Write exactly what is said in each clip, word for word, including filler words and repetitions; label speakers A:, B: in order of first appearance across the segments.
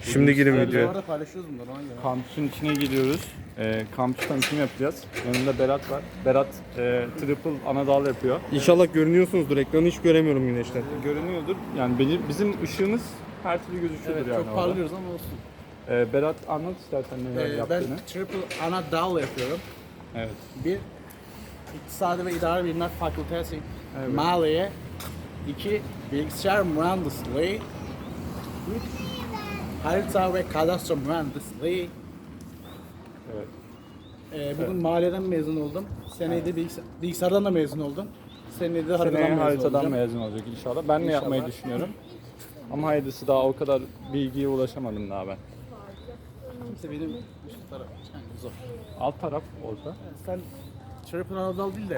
A: Şimdi girin
B: Bu
A: videoya.
B: arada paylaşıyoruz bunları ona göre.
C: Kampüsün içine giriyoruz. Ee, kampüs tanıtımı yapacağız. Yanında Berat var. Berat e, triple anadal yapıyor.
A: İnşallah görünüyorsunuzdur. Ekranı hiç göremiyorum güneşten.
C: Görünüyordur. Yani benim, bizim ışığımız her türlü gözüküyordur
B: Evet,
C: yani
B: çok
C: orada.
B: parlıyoruz ama olsun.
C: Ee, Berat anlat istersen neler
B: Ee, ben
C: yaptığını.
B: triple ana dal yapıyorum.
C: Evet.
B: Bir, İktisadi ve İdari Bilimler Fakültesi
C: Evet.
B: Maliye. İki, Bilgisayar Mühendisliği. Üç, Harita ve Kadastro Mühendisliği.
C: Evet.
B: Ee, bugün maliyeden mezun oldum. Seneye de bilgis- bilgisayardan da mezun oldum. Seneye de haritadan
C: Seneye
B: mezun
C: haritadan
B: olacağım.
C: mezun olacak inşallah. Ben de
B: İnşallah.
C: yapmayı düşünüyorum. Ama hayırlısı, daha o kadar bilgiye ulaşamadım daha ben.
B: Kimse benim üst taraf. Yani zor.
C: Alt taraf olsa.
B: Sen triple anadal değil de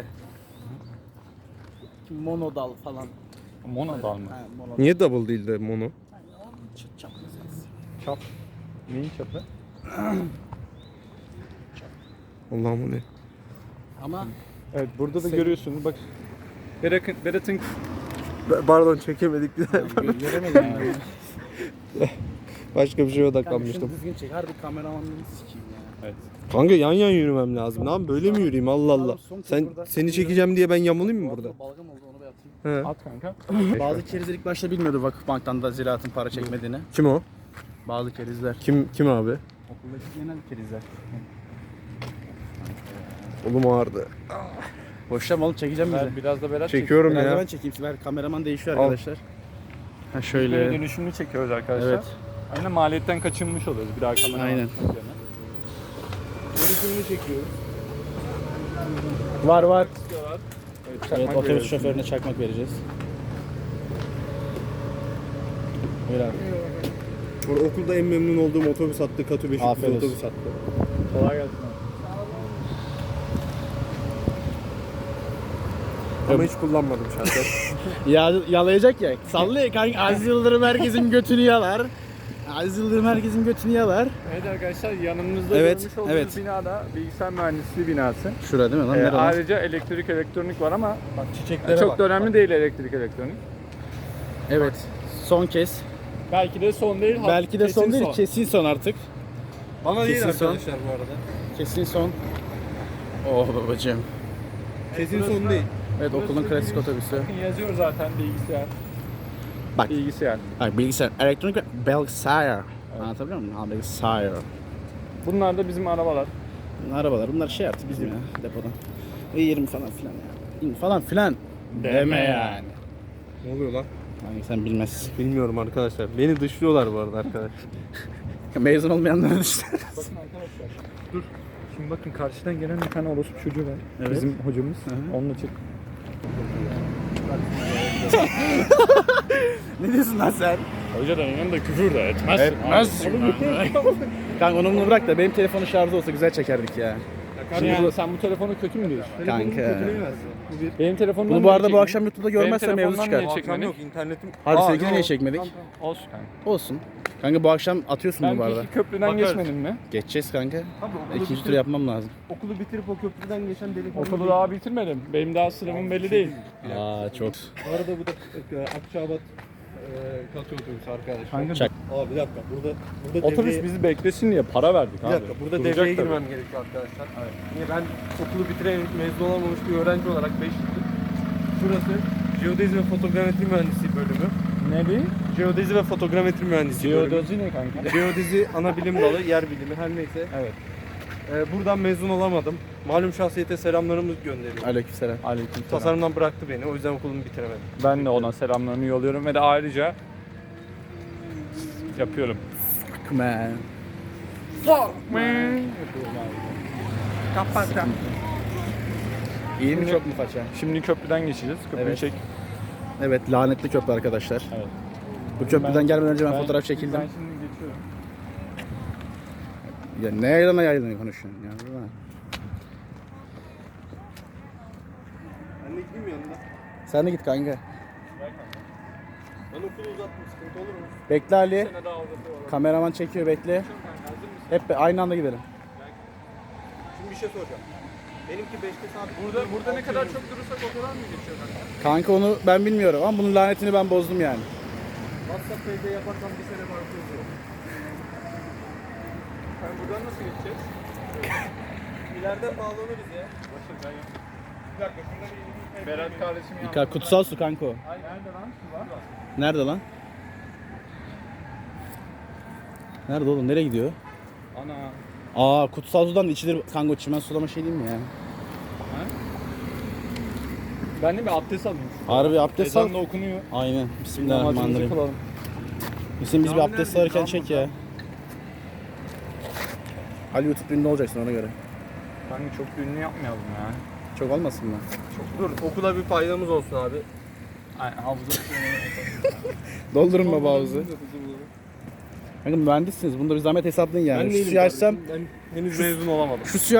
B: monodal falan.
C: Monodal mı?
B: Ha, monodal.
A: Niye double değil de mono?
B: Çıt çap meselesi.
C: Çap. Neyin çapı?
A: Allah'ım o ne?
B: Ama
C: Evet, burada da
B: Sen-
C: görüyorsunuz bak. Berat'ın Berat'ın
A: Pardon çekemedik.
B: gö- göremedim yani.
A: Başka bir şeye
B: Kanka şunu
A: odaklanmıştım.
B: düzgün çek. Harbi kameramanlığını sikeyim ya.
C: evet.
A: Kanka yan yan yürümem lazım. Lan böyle mi yürüyeyim Allah Allah.
B: Son kez
A: Sen
B: burada-
A: seni çekeceğim diye ben yamulayım mı burada?
B: Balgam oldu onu bir atayım.
A: He.
C: At kanka.
B: Bazı kerizler ilk başta bilmiyordu Vakıfbank'tan da ziraatın para çekmediğini.
A: Kim o?
B: Bazı kerizler.
A: Kim kim abi?
B: Okuldaki genel kerizler.
A: Oğlum ağrıdı.
B: Boşlam oğlum çekeceğim bizi.
C: Ver, biraz da Berat
A: Çekiyorum
B: Biraz da
A: ya.
B: ben çekeyim. Ver kameraman değişiyor
A: Al.
B: arkadaşlar. Ha
C: Böyle
B: şöyle.
C: dönüşümlü çekiyoruz arkadaşlar.
B: Evet.
C: Aynen maliyetten kaçınmış oluyoruz bir daha kamera.
B: Aynen.
A: Dönüşümünü çekiyoruz.
B: Var var.
C: Evet,
B: Evet,
C: çakmak
B: otobüs
C: veriyoruz.
B: şoförüne çakmak vereceğiz. Buyur abi.
A: Burada okulda en memnun olduğum otobüs hattı Katı beş
B: Aferin olsun.
A: otobüs hattı.
C: Kolay gelsin.
A: Ama hiç kullanmadım şahsen.
B: Ya yalayacak ya. Sallıyor kanka. Aziz Yıldırım herkesin götünü yalar. Aziz Yıldırım herkesin götünü yalar.
C: Evet arkadaşlar, yanımızda
B: Evet,
C: görmüş olduğunuz
B: evet.
C: binada bilgisayar mühendisliği binası.
B: Şurada değil mi lan?
C: Ee,
B: Nerede lan?
C: ayrıca elektrik elektronik var ama
A: Bak çiçeklere
C: çok
A: bak.
C: da önemli değil elektrik elektronik.
B: Evet. Son kez.
C: Belki de son değil.
B: Belki de
C: kesin
B: son değil. Kesin son artık.
A: Bana değil
B: Kesin son.
A: arkadaşlar bu arada.
B: Kesin son. Oh babacığım.
A: Kesin son değil.
B: Evet okulun klasik otobüsü.
C: Bakın yazıyor zaten bilgisayar.
B: Bak.
C: Bilgisayar.
B: Bak bilgisayar. Elektronik ve bilgisayar. Anlatabiliyor muyum? Ha bilgisayar.
C: Bunlar da bizim arabalar.
B: Bunlar arabalar. Bunlar şey artık bizim ya depodan. Ve yirmi falan filan ya. Falan filan. Deme yani.
A: Ne oluyor lan?
B: Hani sen bilmezsin.
A: Bilmiyorum arkadaşlar. Beni dışlıyorlar bu arada arkadaşlar.
B: Mezun olmayanlara işte.
C: Bakın arkadaşlar. Dur. Şimdi bakın karşıdan gelen bir tane orospu çocuğu var.
B: Evet.
C: Bizim hocamız.
B: Hı.
C: Onunla çık.
B: Ne diyorsun lan sen?
C: Hocadan yanında küfür de etmezsin.
B: Etmezsin Kanka onu bunu bırak da benim telefonun şarjı olsa güzel çekerdik ya.
C: Şimdi yani sen bu telefonu kötü mü diyorsun?
B: Kanka.
C: Benim telefonumdan
B: Bunu bu
C: niye
B: arada bu
C: çekmedin?
B: akşam YouTube'da
C: Benim
B: görmezsem mevzu
C: telefondan
B: çıkar.
C: niye çekmedin?
A: Yok internetim.
B: Harbi
A: Aa,
B: sevgili
A: yok.
B: niye çekmedik?
C: Olsun kanka.
B: Olsun. Kanka bu akşam atıyorsun
C: Ben
B: bunu bu arada.
C: iki köprüden
A: Bakarız.
C: geçmedim mi?
B: Geçeceğiz kanka.
A: Abi okulu,
B: İkinci tur
A: bitirip,
B: yapmam lazım.
A: okulu bitirip o köprüden geçen delikanlı.
C: Okulu daha bitirmedim. Benim daha sınavım belli değil.
B: Aa çok.
A: Bu arada bu da e, Akçaabat e, Katı otobüsü arkadaşlar.
C: Kanka
B: Çak.
A: Abi bir dakika burada burada
C: otobüs
A: devreye-
C: bizi beklesin diye para verdik
A: bir
C: abi.
A: dakika burada
C: Duracak
A: devreye
C: tabii.
A: girmem gerekiyor arkadaşlar. Niye ben okulu bitiren mezun olamamış bir öğrenci olarak beş yıllık. Şurası Jeodezi ve Fotogrametri Mühendisliği bölümü.
C: Ne bir?
A: Jeodezi ve Fotogrametri Mühendisliği bölümü.
C: Geodozi ne kanka?
A: Jeodezi ana bilim dalı, yer bilimi her neyse.
C: Evet.
A: Ee, buradan mezun olamadım. Malum şahsiyete selamlarımızı gönderiyorum.
B: Aleykümselam.
C: Aleykümselam.
A: Tasarımdan bıraktı beni. O yüzden okulumu bitiremedim.
C: Ben de ona selamlarını yolluyorum ve de ayrıca yapıyorum.
B: Man.
C: Kapat.
B: İyi mi çok mu faça?
C: Şimdi köprüden geçeceğiz. Köprüyü
B: Evet.
C: çek.
B: Evet lanetli köprü arkadaşlar.
C: Evet.
B: Bu köprüden
C: Ben-
B: gelmeden önce ben,
C: Ben-
B: fotoğraf çekildim.
C: Ben şimdi geçiyorum.
B: Ya ne yaylana yaylana konuşuyorsun ya. Değil mi?
A: Ben de gideyim yanında.
B: Sen de git kanka.
A: Ben okulu uzattım. Sıkıntı olur mu?
B: Bekle Ali.
C: Ne daha uzatıyorum.
B: Kameraman çekiyor bekle. Hep be- aynı anda gidelim.
A: Şimdi bir şey soracağım. Benimki beşte saat.
C: Burada burada ne kadar çok durursak o kadar mı geçiyor kanka?
B: Kanka onu ben bilmiyorum ama bunun lanetini ben bozdum yani.
A: WhatsApp P'de yaparsam bir sene var.
C: Sen buradan nasıl geçeceğiz?
A: İleriden bağlanırız ya.
C: Başır ben yok.
A: Bir dakika şurada bir
C: Berat kardeşim yandı.
B: Ka- kutsal su kanka o.
C: Ay nerede lan? Su var.
B: Nerede lan? Nerede oğlum? Nereye gidiyor?
C: Ana.
B: Aa kutsal sudan içilir kanka, çimen sulama şey değil mi ya?
C: Ben de bir abdest alayım.
B: Harbi abdest al.
C: Ezan da okunuyor.
B: Aynen.
C: Namazımızı
B: Bismillahirrahmanirrahim.
C: kılalım.
B: Bizim biz bir
A: Cami
B: abdest
A: nerede?
B: alırken
A: Cami
B: çek ya. Ali YouTube ünlü olacaksın ona göre.
C: Kanka çok ünlü yapmayalım ya.
B: Çok olmasın mı?
A: Dur okula bir faydamız olsun abi.
C: Aynen havuza
B: Doldurun baba havuzu. Kanka mühendissiniz. Bunda bir zahmet hesaplayın yani.
A: Ben
B: Şu
A: değilim
B: suyu açsam,
A: kardeşim, Ben henüz mezun olamadım.
B: şu suyu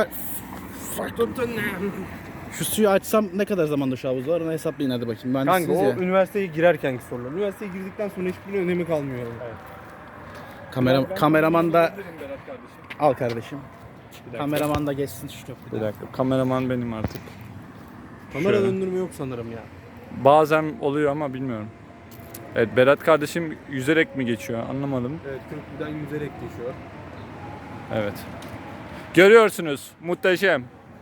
B: şu suyu açsam ne kadar zamanda şu havuz var onu hesaplayın hadi bakayım.
A: Kanka
B: Mühendissiniz
A: o
B: ya.
A: üniversiteye girerkenki sorular. Üniversiteye girdikten sonra hiçbir önemi kalmıyor. Yani.
B: Kamera, kameraman da
C: Berat kardeşim.
B: al kardeşim.
C: Bir dakika.
B: Kameraman da geçsin şu
C: Bir
B: köprüden.
C: dakika. Kameraman benim artık.
A: Kamera
C: Şöyle.
A: döndürme yok sanırım ya.
C: Bazen oluyor ama bilmiyorum. Evet Berat kardeşim yüzerek mi geçiyor anlamadım.
A: Evet köprüden yüzerek geçiyor.
C: Evet. Görüyorsunuz muhteşem.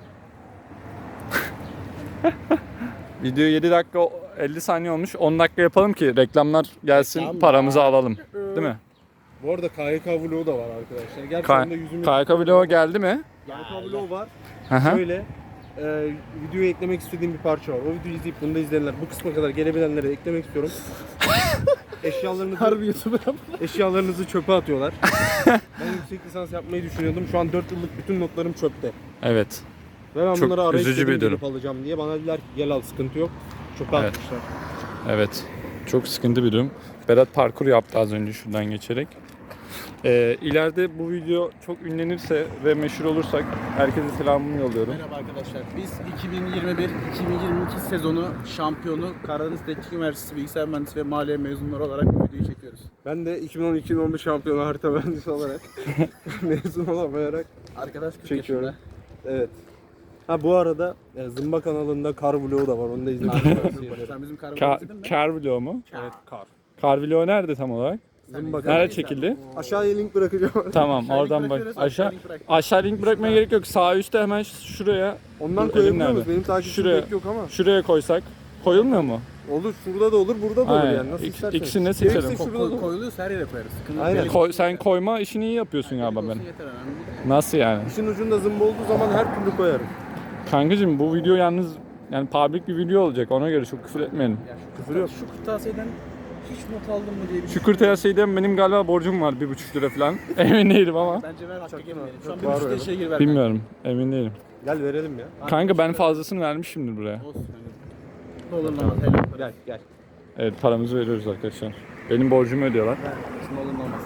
C: Video yedi dakika elli saniye olmuş. on dakika yapalım ki reklamlar gelsin,
B: Reklam
C: paramızı
B: ya.
C: alalım. Değil mi?
A: Bu arada K Y K vlogu da var arkadaşlar. Gerçi
C: K-
A: onda yüzümüz...
C: K Y K vlog geldi mi?
A: K Y K vlogu var.
C: Hı hı.
A: Şöyle e, videoya eklemek istediğim bir parça var. O videoyu izleyip bunu da izleyenler, bu kısma kadar gelebilenlere eklemek istiyorum. Eşyalarınızı,
B: Harbi YouTuber.
A: eşyalarınızı çöpe atıyorlar. Ben yüksek lisans yapmayı düşünüyordum. Şu an dört yıllık bütün notlarım çöpte.
C: Evet.
A: Ve ben
C: Çok
A: bunları arayıp
C: üzücü
A: dedim
C: bir durum.
A: gelip alacağım diye. Bana dediler ki gel al sıkıntı yok. Çöpe
C: Evet.
A: atmışlar.
C: Evet. Çok sıkıntı bir durum. Berat parkur yaptı az önce şuradan geçerek. Ee, ileride bu video çok ünlenirse ve meşhur olursak herkese selamımı yolluyorum.
B: Merhaba arkadaşlar. Biz iki bin yirmi bir iki bin yirmi iki sezonu şampiyonu Karadeniz Teknik Üniversitesi Bilgisayar Mühendisliği ve Maliye mezunları olarak bu videoyu çekiyoruz.
A: Ben de iki bin on iki iki bin on bir şampiyonu harita mühendisi olarak mezun olamayarak
B: Arkadaş kırk
A: çekiyorum.
B: yaşında.
A: Evet. Ha bu arada e, Zımba kanalında kar vlogu da var. Onu da izlemeyi tavsiye ederim.
B: Sen bizim
C: Ka-
B: karabağ izledin mi?
C: kar vlog mu?
A: Evet kar.
C: Kar vlog nerede tam olarak?
A: Zımba
C: Nerede çekildi?
A: Aşağıya link bırakacağım.
C: Tamam
B: Aşağı
C: oradan
B: link
C: bak.
B: bırakıyoruz,
C: Aşağı
B: aşağı link bırak.
C: aşağı link bırakmaya gerek yok. Sağ üstte hemen şuraya
A: Ondan
C: Dur,
A: koyabiliyor
C: elim
A: musun?
C: nerede?
A: Benim takipçim
C: Şuraya.
A: pek yok ama.
C: şuraya koysak koyulmuyor mu?
A: Olur şurada da olur, burada da olur
C: Aynen.
A: yani. Nasıl
C: İk-
A: isterseniz.
C: ikisini de
A: Gerekirse
C: seçelim.
A: şurada da
B: Ko-
A: olur.
B: koyuluyorsa her yere koyarız. Sıkıntı
A: Aynen.
B: değil.
C: Koy, sen koyma işini iyi yapıyorsun galiba
B: Olsun
C: ben.
B: yeter önemli değil.
C: Nasıl yani?
A: İşin ucunda zımba olduğu zaman her türlü koyarım.
C: Kankacığım bu video yalnız yani public bir video olacak ona göre çok küfür etmeyelim.
B: Ya şu
A: Küfür yok.
B: Şu kırtasiyeden hiç not aldın mı diye bir şey.
C: Şükür Teyasey'den benim galiba borcum var bir buçuk lira falan. Emin değilim ama.
B: Bence ver hakkı girmeyelim. Şu an
A: Çok
B: bir
A: var
B: buçuk
A: öyle.
B: lira şey gir ver.
C: Bilmiyorum. Emin değilim.
A: Gel verelim ya.
C: Kanka ben fazlasını vermişimdir buraya.
B: Olsun. Ne olur ne olmaz. Helal.
A: Gel gel.
C: Evet paramızı veriyoruz arkadaşlar. Benim borcumu ödüyorlar.
B: Ne olur ne olmaz.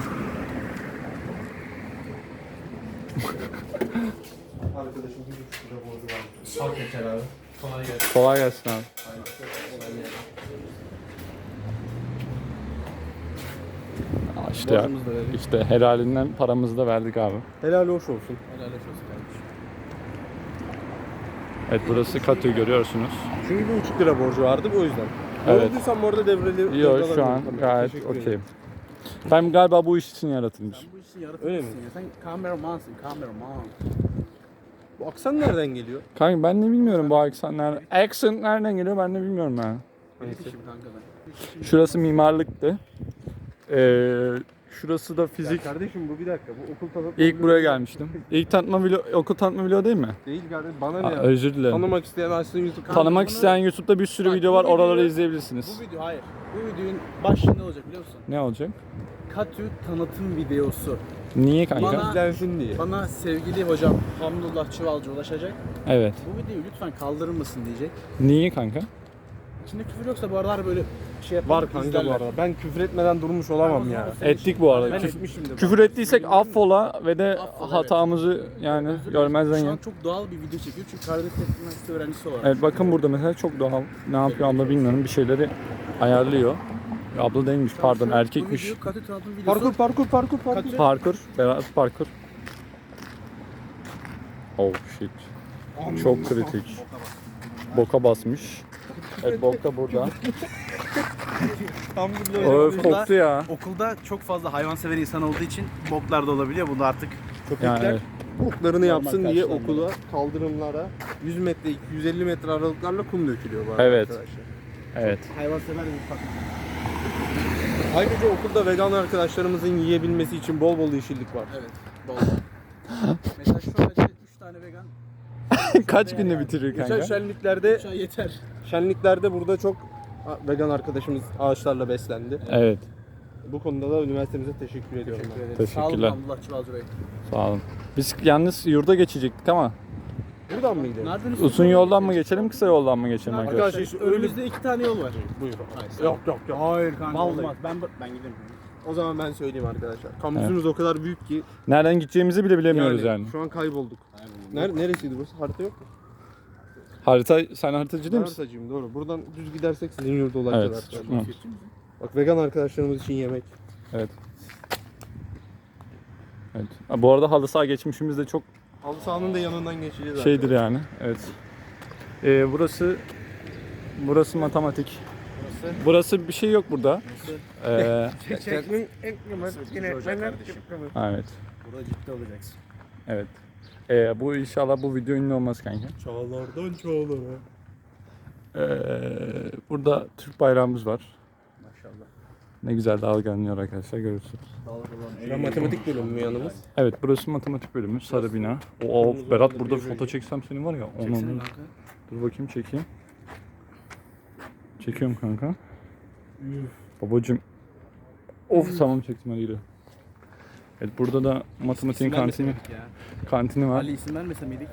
A: Arkadaşım bir buçuk lira borcu varmış.
B: Al geçer abi. Kolay gelsin.
C: Kolay gelsin abi. Aa, İşte,
B: Borcumuzu da verdik.
C: işte helalinden paramızı da verdik abi.
A: Helal hoş olsun.
B: Helal olsun kardeşim.
C: Evet burası Katı görüyorsunuz.
A: Çünkü bir buçuk lira borcu vardı o yüzden.
C: Evet.
A: Evet. Olduysam bu arada devreli.
C: Yok
A: devralabilirim.
C: şu an
A: Tamam,
C: gayet
A: teşekkür ederim.
C: okeyim. Ben galiba bu iş için yaratılmış.
B: Sen bu işin yaratıcısın
A: Öyle mi?
B: ya. Sen kameramansın, kameraman.
A: Bu aksan nereden geliyor?
C: Kanka ben de bilmiyorum bu aksan nereden. Accent nereden geliyor ben de bilmiyorum yani.
B: Neyse. Şimdi kanka ben.
C: Şurası mimarlıktı. Ee, şurası da fizik.
A: Ya kardeşim bu bir dakika. Bu okul tanıtma
C: İlk
A: vlogu
C: buraya
A: değil.
C: gelmiştim. İlk tanıtma video, okul tanıtma video değil mi?
A: Değil kardeşim. Bana ne
C: Aa,
A: ya?
C: özür dilerim.
A: Tanımak isteyen açsın YouTube kanalı.
C: Tanımak
B: bunu-
C: isteyen YouTube'da bir sürü
B: Bak,
C: video
B: bu
C: var. Oraları
B: videoyu-
C: izleyebilirsiniz.
B: Bu video hayır. Bu videonun başlığı ne olacak biliyor musun?
C: Ne olacak?
B: Katü tanıtım videosu.
C: Niye kanka?
B: Bana-
A: İzlensin diye.
B: Bana sevgili hocam Hamdullah Çuvalcı ulaşacak.
C: Evet.
B: Bu videoyu lütfen kaldırır mısın diyecek.
C: Niye kanka?
B: İçinde küfür yoksa bu aralar böyle şey yapalım.
A: Var kanka bu arada. Ben küfür etmeden durmuş olamam ya.
C: Ettik bu arada.
A: Ben
C: Küf-
A: etmişimdir.
C: küfür ettiysek affola ve de
B: Affola,
C: hatamızı yani
B: Özür dilerim.
C: görmezden
B: Şu
C: gel.
B: an çok doğal bir video çekiyor çünkü Karadeniz Teknik Üniversitesi öğrencisi olarak.
C: Evet bakın burada mesela çok doğal. Ne yapıyor abla bilmiyorum. Bir şeyleri ayarlıyor. Abla değilmiş pardon
B: Şu-
C: erkekmiş.
B: Bu video Katü tanıtım videosu.
A: Parkur parkur parkur parkur.
B: Katü-
C: Parkur. Berat parkur. Oh shit. Çok kritik. Boka basmış. Evet bok da burada.
A: Tam bir
C: Öf koktu ya.
B: Okulda çok fazla hayvansever insan olduğu için boklar da olabiliyor. Bu da artık
A: Köpekler
C: Yani
A: oklarını yapsın
B: Normal
A: diye
B: karşılanmalı.
A: okula, kaldırımlara yüz metre, yüz elli metre aralıklarla kum dökülüyor bu arada
C: Evet.
A: arkadaşlar.
C: evet.
B: Hayvansever bir fakülte.
A: Ayrıca okulda vegan arkadaşlarımızın yiyebilmesi için bol bol yeşillik var.
B: Evet. Bol. Mesela şu ağacı üç tane vegan.
C: Kaç günde bitirir
A: Geçen
C: kanka?
A: şenliklerde,
B: Şu an yeter.
A: şenliklerde burada çok vegan arkadaşımız ağaçlarla beslendi.
C: Evet.
A: Bu konuda da üniversitemize teşekkür ediyorum. ben.
C: Teşekkürler.
B: Sağ olun Allah Çuvalcı Bey.
C: Sağ olun. Biz yalnız yurda geçecektik ama
A: Buradan mı gidelim?
B: Nereden
C: uzun yoldan mı geçelim, kısa yoldan mı geçelim arkadaşlar?
A: Arkadaşlar işte öyle...
B: Önümüzde iki tane yol var.
A: Buyur.
B: Hayır.
A: Yok yok yok.
B: Hayır kanka
A: Vallahi.
B: olmaz. Ben ben giderim.
A: O zaman ben söyleyeyim arkadaşlar. Kampüsümüz o kadar büyük ki
C: Nereden gideceğimizi bile bilemiyoruz yani.
A: şu an kaybolduk. Ner neresiydi burası? Harita yok mu?
C: Harita, sen haritacı değil
A: Ben
C: misin?
A: haritacıyım doğru. Buradan düz gidersek sizin yurda ulaşacağız
C: Evet.
A: arkadaşlar.
C: Hı.
A: Bak vegan arkadaşlarımız için yemek.
C: Evet. Evet. Ha, bu arada halı saha geçmişimiz de çok
A: Halı sahanın da yanından geçeceğiz
C: şeydir yani. Evet. Ee, burası burası matematik.
A: Burası.
C: Burası bir şey yok burada. Ee,
A: Çekmin en
C: evet.
B: Burada ciddi olacaksın.
C: Evet. Ee, bu inşallah bu video ünlü olmaz kanka.
A: Çağlardan çağlara.
C: Ee, burada Türk bayrağımız var.
B: Maşallah.
C: Ne güzel dalgalanıyor arkadaşlar, görürsünüz.
A: Ben matematik bölümü mü yanımız?
C: Evet, burası matematik bölümü, sarı bina. O Berat, burada foto çeksem senin var ya. Onu,
B: Çeksene
C: onu.
B: kanka.
C: Dur bakayım, çekeyim. Çekiyorum kanka. Babacım. Of, tamam çektim, hadi gidelim. Evet, burada da matematiğin
B: İsim
C: kantini
B: vermeseydik ya.
C: kantini var.
B: Ali isim vermese miydik?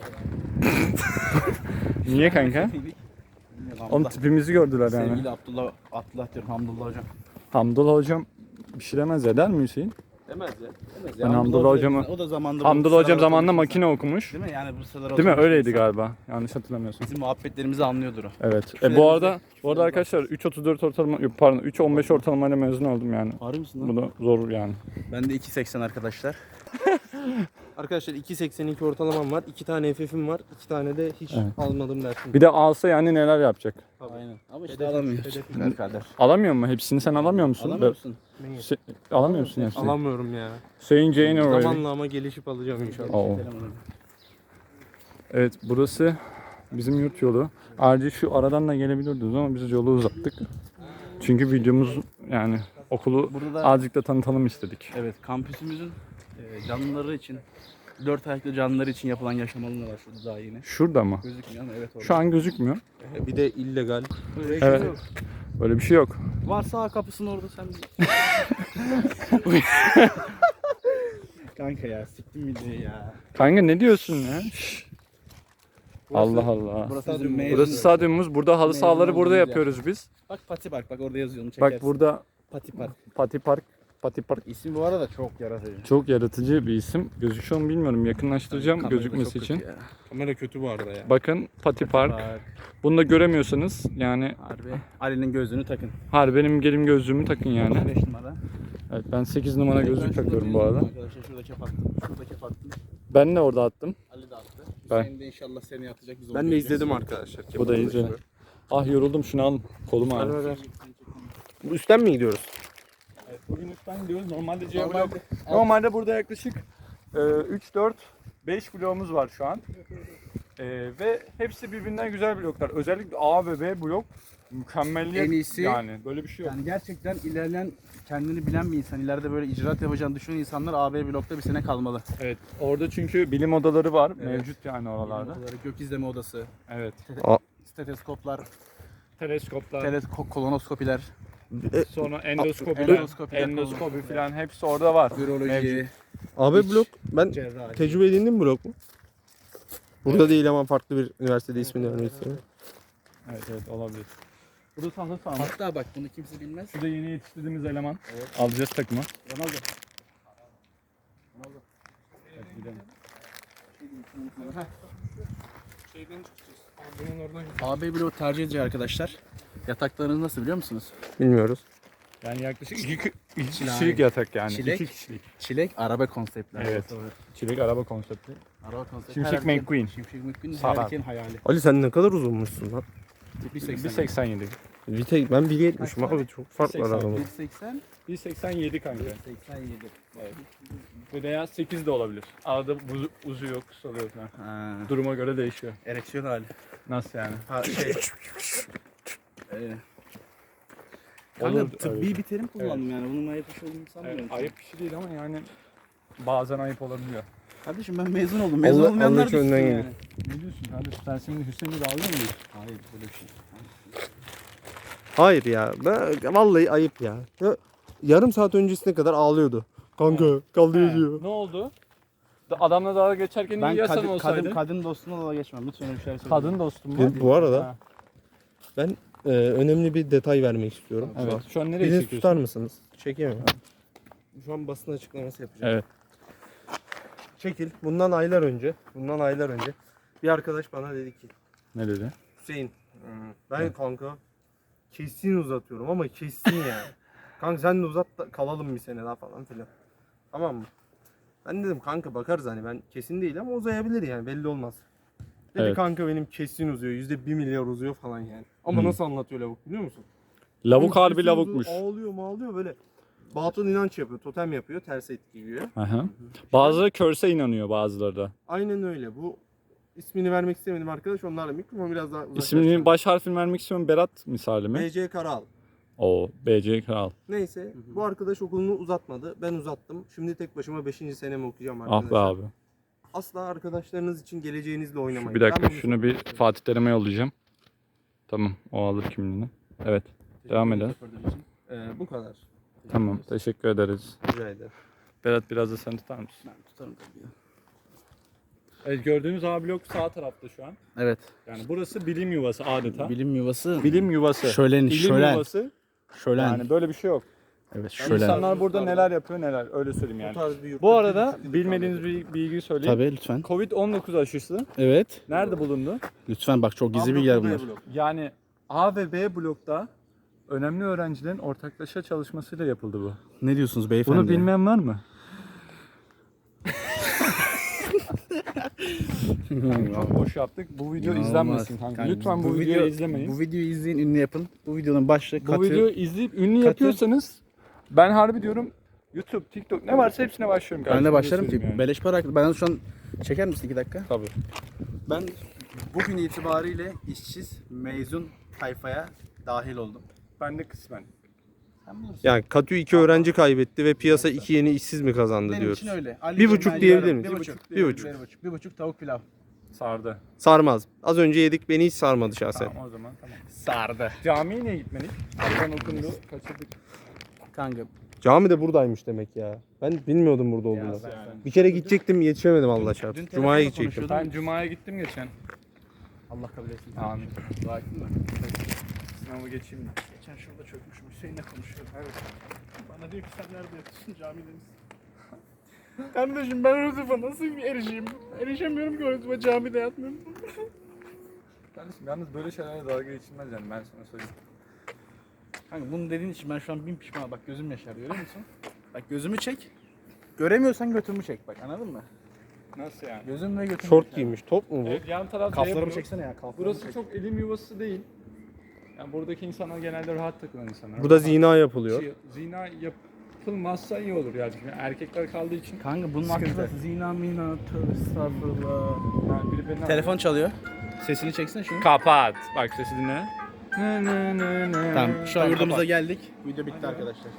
C: Niye kanka?
B: Miydik? Bilmiyorum,
C: Onun
B: Hamdullah.
C: tipimizi gördüler yani.
B: Sevgili Abdullah, Abdullah diyorum Hamdullah hocam.
C: Hamdullah hocam bir şey demez ya, der mi Hüseyin?
A: Demez ya.
B: Demez
C: Ben Hamdullah hocamı-
B: O da zamanında
C: Hamdullah
B: bu
C: hocam
B: sıralara
C: zamanında
B: oturmuş
C: makine okumuş.
B: insan. Değil mi? Yani bu sıralara
C: Değil mi?
B: oturmuş
C: Öyleydi
B: insan.
C: galiba. Yanlış hatırlamıyorsun.
B: Bizim muhabbetlerimizi anlıyordur o.
C: Evet. E,
B: Küfürlerimizi-
C: bu arada bu arada
B: küfürlerimizi-
C: arkadaşlar üç otuz dört ortalama yok, pardon üç on beş ortalamayla mezun oldum yani.
B: Harbi misin
C: Bu da zor yani.
B: Ben de iki seksen arkadaşlar.
A: Arkadaşlar iki seksen iki ortalamam var. iki tane F F'im var. iki tane de hiç
C: Evet.
A: almadım dersim.
C: Bir de alsa yani neler yapacak?
B: Aynen. Ama işte
A: Hedef-
B: alamıyoruz.
A: hedef-
B: Güzel kader.
C: Alamıyor mu? Hepsini sen alamıyor musun?
B: Alamıyor musun?
C: Se- alamıyor musun hepsini?
A: Alamıyorum ya.
C: Sayın Jane O'Reilly.
A: Zamanla ama gelişip alacağım inşallah.
C: Oo. Evet, burası bizim yurt yolu. Ayrıca şu aradan da gelebilirdiniz ama biz yolu uzattık. Çünkü videomuz yani okulu
B: Burada da
C: azıcık da tanıtalım istedik.
B: evet kampüsümüzün e, canlıları için dört ayaklı canlıları için yapılan yaşam alanı var şurada daha yeni.
C: Şurada mı?
B: Gözükmüyor ama evet orada.
C: Şu an gözükmüyor.
A: Bir de illegal.
B: Öyle bir şey
C: Evet.
B: yok.
C: Böyle bir şey yok.
B: Varsa kapısının orada sen Kanka ya siktim videoyu ya.
C: Kanka ne diyorsun ya? Şşş. Allah Allah.
B: Burası bizim mezun.
C: Burası stadyumumuz. Burada halı
B: Mezun
C: sahaları burada
B: olduğumuz
C: yapıyoruz biz.
B: Bak Pati Park bak orada yazıyor onu çekersin.
C: Bak burada
B: Pati Park.
C: Pati Park. Pati Park.
B: İsim bu arada çok yaratıcı.
C: Çok yaratıcı bir isim. Gözüküyor mu bilmiyorum. Yakınlaştıracağım
B: Kamerada
C: gözükmesi
B: çok
C: için.
B: kötü ya.
A: Kamera kötü bu arada ya.
C: Bakın Pati Park. Bunu da göremiyorsanız yani
B: Harbi. Ali'nin gözlüğünü takın.
C: har benim gelim gözlüğümü takın yani.
B: beş numara.
C: Evet, ben sekiz numara gözlük takıyorum bu arada.
B: Arkadaşlar şurada kep attım. Şurada kep attım.
C: Ben de orada attım.
B: Ali de attı.
C: Ben-
B: Hüseyin de inşallah seni atacak. Biz
A: Ben
B: onu
A: de
B: göreceğiz.
A: izledim arkadaşlar.
C: Bu da iyice. Ah yoruldum, şunu alın. Kolum
A: Ver, ver,
C: ağrıyor.
A: ver. Bu üstten mi gidiyoruz?
C: Evet, bugün üstten gidiyoruz. Normalde C
B: Normalde-
C: blok. Normalde burada yaklaşık üç dört beş bloğumuz var şu an. E, ve hepsi birbirinden güzel bloklar. Özellikle A ve B blok mükemmelliyet
B: En iyisi-
C: yani. Böyle bir şey yok.
B: Yani gerçekten ilerleyen kendini bilen bir insan, ileride böyle icraat yapacağını düşünen insanlar A B blokta bir sene kalmalı.
C: Evet. Orada çünkü bilim odaları var.
B: Evet.
C: Mevcut yani oralarda.
B: Odaları, gök izleme odası,
C: Evet.
B: steteskoplar,
C: Teleskoplar.
B: teleskop, kolonoskopiler,
C: Sonra endoskopi,
B: endoskopi,
C: endoskopi falan hepsi orada var.
B: viroloji,
C: Mevcut.
A: A B blok ben
B: cerrahi.
A: tecrübe edindim blok mu? Burada değil ama farklı bir üniversitede ismini vermek istiyorum.
C: Evet evet olabilir. Burası halı saha.
B: Hatta bak bunu kimse bilmez.
C: Şurada yeni yetiştirdiğimiz eleman. Alacağız takıma.
B: Ronaldo.
C: Evet, gidelim.
B: A B bloğu tercih edici arkadaşlar. Yataklarınız nasıl biliyor musunuz?
A: Bilmiyoruz.
C: Yani yaklaşık iki, iki
B: Çilek.
C: kişilik yatak yani.
B: Çilek.
C: İki kişilik.
B: Çilek, araba konseptler.
C: Evet. Çilek araba konsepti.
B: Araba konsepti.
C: Şimşek
B: Her erkeğin-
C: McQueen.
B: Şimşek McQueen her
C: Sarar.
B: erkeğin hayali.
A: Ali sen ne kadar uzunmuşsun lan.
B: bir seksen.
C: bir seksen yedi.
A: Bir tek ben bir yetmişim abi çok fark var
C: seksen.
A: aramızda.
B: bir seksen.
C: bir seksen yedi kanka.
B: seksen yedi.
C: Veya sekiz de olabilir. Arada buzu, uzuyor, kısalıyor falan.
B: Ha.
C: Duruma göre değişiyor.
B: Ereksiyon hali.
C: Nasıl yani?
B: Ha şey. Ee, Kanka
C: Olur,
B: tıbbi
C: öyle.
B: bir terim kullandım yani. Bunun ayıp bir şey olduğunu sanmıyorum.
C: Evet, ayıp bir şey değil ama yani bazen ayıp olabiliyor.
B: Kardeşim ben mezun oldum. Mezun
A: Allah-
B: olmayanlar
A: Allah
B: düşsün
A: önden
B: yani.
A: gidiyor.
C: Ne diyorsun kardeşim? Sen şimdi Hüseyin'i de alıyor musun?
B: Hayır böyle bir şey.
A: Hayır ya. Ben, vallahi ayıp ya. ya. Yarım saat öncesine kadar ağlıyordu. Kanka kaldırıyor diyor.
C: Ne oldu? Da- Adamla dalga geçerken
B: Ben
C: iyi yasan
B: kadın,
C: olsaydı.
B: kadın, kadın dostumla da geçmem. Lütfen öyle bir şeyler söylemeyin.
C: Kadın dostum mu?
A: Bu, bu arada
C: Ha,
A: ben e, önemli bir detay vermek istiyorum.
C: evet. Şu an nereye
A: Bizi
C: çekiyorsun?
A: tutar mısınız? Çekeyim mi? Şu an basın açıklaması yapacağım.
C: Evet.
A: Çekil. Bundan aylar önce, bundan aylar önce bir arkadaş bana dedi ki,
C: Ne dedi?
A: Hüseyin, ben kanka kesin uzatıyorum ama kesin yani. Kanka sen de uzat da kalalım bir sene daha falan filan. Tamam mı? Ben dedim kanka bakarız hani ben kesin değil ama uzayabilir yani belli olmaz. Dedi
C: Evet.
A: kanka benim kesin uzuyor. Yüzde bir milyar uzuyor falan yani. Ama
C: Hı.
A: nasıl anlatıyor lavuk biliyor musun?
C: Lavuk
A: Oğlum
C: harbi
A: kesin
C: lavukmuş.
A: uzuyor, Ağlıyor mağlıyor böyle. Batıl inanç yapıyor, totem yapıyor, ters etki giyiyor.
C: Aha. Bazıları körse inanıyor, bazıları da.
A: Aynen öyle. Bu ismini vermek istemedim arkadaş. Onlarla mikrofon biraz daha
C: İsmini baş harfini vermek istiyorum. Berat misali mi?
A: B C Karal.
C: O B C Kral.
A: Neyse bu arkadaş okulunu uzatmadı. Ben uzattım. Şimdi tek başıma beşinci senemi okuyacağım
C: Ah
A: arkadaşlar.
C: be abi.
A: Asla arkadaşlarınız için geleceğinizle oynamayın.
C: Şu, bir dakika
A: Ben bunu
C: şunu bir Fatih Terim'e yollayacağım. Tamam, o alır kimliğini. Evet. Devam edelim.
A: Ee, bu kadar.
C: Tamam, teşekkür ederiz.
A: Rica ederim.
C: Berat biraz da sen tutar mısın?
B: Ben tutarım tabii ya.
C: Evet, gördüğünüz A blok sağ tarafta şu an.
B: Evet.
C: Yani burası bilim yuvası adeta.
B: Bilim yuvası.
C: Bilim yuvası.
B: Şölen,
C: İlim
B: şölen.
C: yuvası.
B: Şölen.
C: Yani böyle bir şey yok.
B: Evet
C: Yani
B: şölen.
C: İnsanlar burada neler yapıyor neler öyle söyleyeyim
A: Bu
C: yani.
A: tarz bir yurtta
C: Bu arada
A: bir-
C: bilmediğiniz bir bilgi söyleyeyim.
B: Tabii lütfen.
C: Covid on dokuz aşısı
B: Evet.
C: nerede bulundu?
B: Lütfen bak çok gizli
A: A
B: bilgiler
A: blok, B
B: bunlar.
A: blok.
C: Yani A ve B blokta önemli öğrencilerin ortaklaşa çalışmasıyla yapıldı bu.
B: Ne diyorsunuz beyefendi?
C: Bunu bilmeyen var mı? Çok boş yaptık. Bu video
B: İnanılmaz.
C: izlenmesin kanka.
B: Kanka,
C: Lütfen bu,
B: bu
C: videoyu
B: video-
C: izlemeyin.
B: Bu videoyu izleyin, ünlü yapın. Bu videonun başlığı
C: Bu
B: katı.
C: videoyu izleyip ünlü
B: katı-
C: yapıyorsanız ben harbi diyorum YouTube, TikTok ne varsa hepsine başlıyorum
B: Ben de
C: kardeşim,
B: başlarım
C: öyle
B: ki.
C: söyleyeyim yani.
B: Beleş para. Ben şu an çeker misin iki dakika?
C: Tabii.
B: Ben bugün itibariyle işsiz mezun tayfaya dahil oldum.
C: Ben de kısmen.
B: Sen bilirsin.
A: Yani Katü iki öğrenci kaybetti ve piyasa iki yeni işsiz mi kazandı
B: Benim
A: diyoruz.
B: için öyle. Ali
A: Bir buçuk
B: Cemal
A: diyebilir
B: Yarım.
A: miyiz?
B: Bir
A: Bir
B: buçuk.
A: buçuk.
B: Bir buçuk. Bir buçuk. Bir buçuk tavuk pilav.
C: Sardı.
A: Sarmaz. Az önce yedik beni hiç sarmadı şahsen.
C: Tamam o zaman tamam.
B: Sardı.
C: Camiye niye gitmedik? Aradan okundu, kaçırdık.
B: Kanka.
A: Cami de buradaymış demek ya. Ben bilmiyordum burada olduğunu.
C: sen-
A: Bir kere gidecektim yetişemedim Allah çarpsın.
B: dün
A: Cuma'ya
B: telefonla
A: gidecektim.
C: Ben Cuma'ya gittim geçen.
B: Allah kabul etsin.
C: Amin.
B: Dua ettin mi?
C: Sınavı geçeyim.
B: Geçen şurada çökmüşüm. Hüseyin'le konuşuyorum. Evet. Bana diyor ki sen nerede yatıyorsun? Camide misin? Kardeşim ben Rıdvan'a nasıl erişeyim? Erişemiyorum ki Rıdvan'a camide yatmıyorum.
C: Kardeşim yalnız böyle şeylerle dalga geçilmez yani ben sana söyleyeyim.
B: Kanka bunu dediğin için ben şu an bin pişman. Bak gözüm yaşar görüyor musun? Bak gözümü çek. Göremiyorsan götümü çek bak anladın mı?
C: Nasıl yani?
B: Gözüm ve götüm.
A: Şort giymiş. Top mu bu?
C: Evet, yan taraf
B: Kaflarımı
C: yapıyor.
B: çeksene ya kaflarımı
C: Burası
B: çek.
C: çok elim yuvası değil. Yani buradaki insanlar genelde rahat takılan insanlar.
A: Burada zina yapılıyor.
C: Şey, zina yapılmazsa iyi olur yani. Çünkü erkekler kaldığı için.
B: Kanka bunun
C: Sıkıntı.
B: hakkında zina mina tövbe estağfurullah.
C: Yani biri beni
B: Telefon çalıyor. Sesini çeksene şunu.
C: kapat. Bak sesi dinle. Ne ne ne ne.
B: Tamam şu an yurdumuza
C: kapat.
B: geldik. Video bitti arkadaşlar.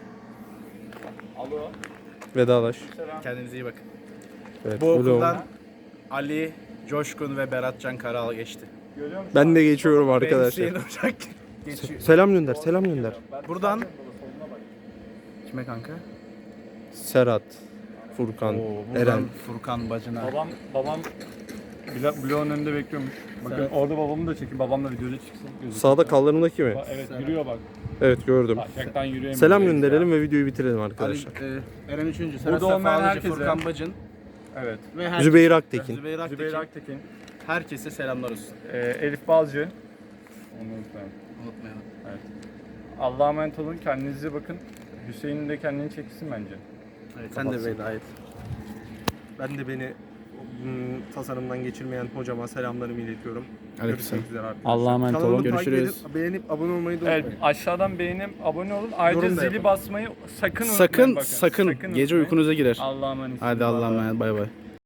C: Alo.
A: Vedalaş.
C: Selam.
B: Kendinize iyi bakın.
A: Evet,
B: Bu
A: vlog.
B: okuldan Ali, Coşkun ve Beratcan Karal geçti.
C: Görüyor musun?
A: Ben de geçiyorum
B: Benim
A: arkadaşlar.
B: Hüseyin Ocak geçiyor.
A: Selam gönder, selam gönder.
B: Buradan- Kime kanka?
A: Serhat, Furkan,
B: Oo, buradan
A: Eren.
B: Furkan bacına.
C: Babam babam bla- bloğun önünde bekliyormuş. Bakın
B: Evet.
C: orada babamı da çekin. Babamla videoda çıksın. gözüküyor.
A: Sağda kallarındaki mi?
C: Ba- Evet yürüyor bak.
A: Evet gördüm.
C: Hakikaten yürüyemiyor.
A: Selam gönderelim ve videoyu bitirelim
B: Ali,
A: arkadaşlar.
B: e, Eren üçüncü.
C: Burada
B: Serhat
C: olmayan
B: Sefalıcı,
C: herkese-
B: Furkan Bacın
C: Evet.
B: ve herkese,
A: Zübeyir Aktekin.
B: Zübeyir Aktekin.
C: Zübeyir Aktekin.
B: Herkese selamlar olsun.
C: Ee, Elif Balcı. Onu unutmayın.
B: Unutmayalım.
C: Evet. Allah'a emanet olun. Kendinize bakın. Hüseyin'in de kendini çeksin bence.
B: Evet, sen de veda et.
A: Ben de beni mm, tasarımdan geçirmeyen hocama selamlarımı iletiyorum.
B: Aleykümselam.
A: Görüşmek üzere arkadaşlar.
C: Allah'a emanet
A: Kanalımı
C: olun.
A: takip
B: Görüşürüz.
A: edip beğenip abone olmayı da
C: Evet,
A: unutmayın.
C: aşağıdan beğenip abone olun. Ayrıca
A: Yorum da
C: zili
A: yapın.
C: basmayı sakın unutmayın.
B: Sakın
C: bakın.
B: sakın gece
C: unutmayın.
B: uykunuza girer.
C: Allah'a emanet.
B: Hadi Allah'a emanet bay bay.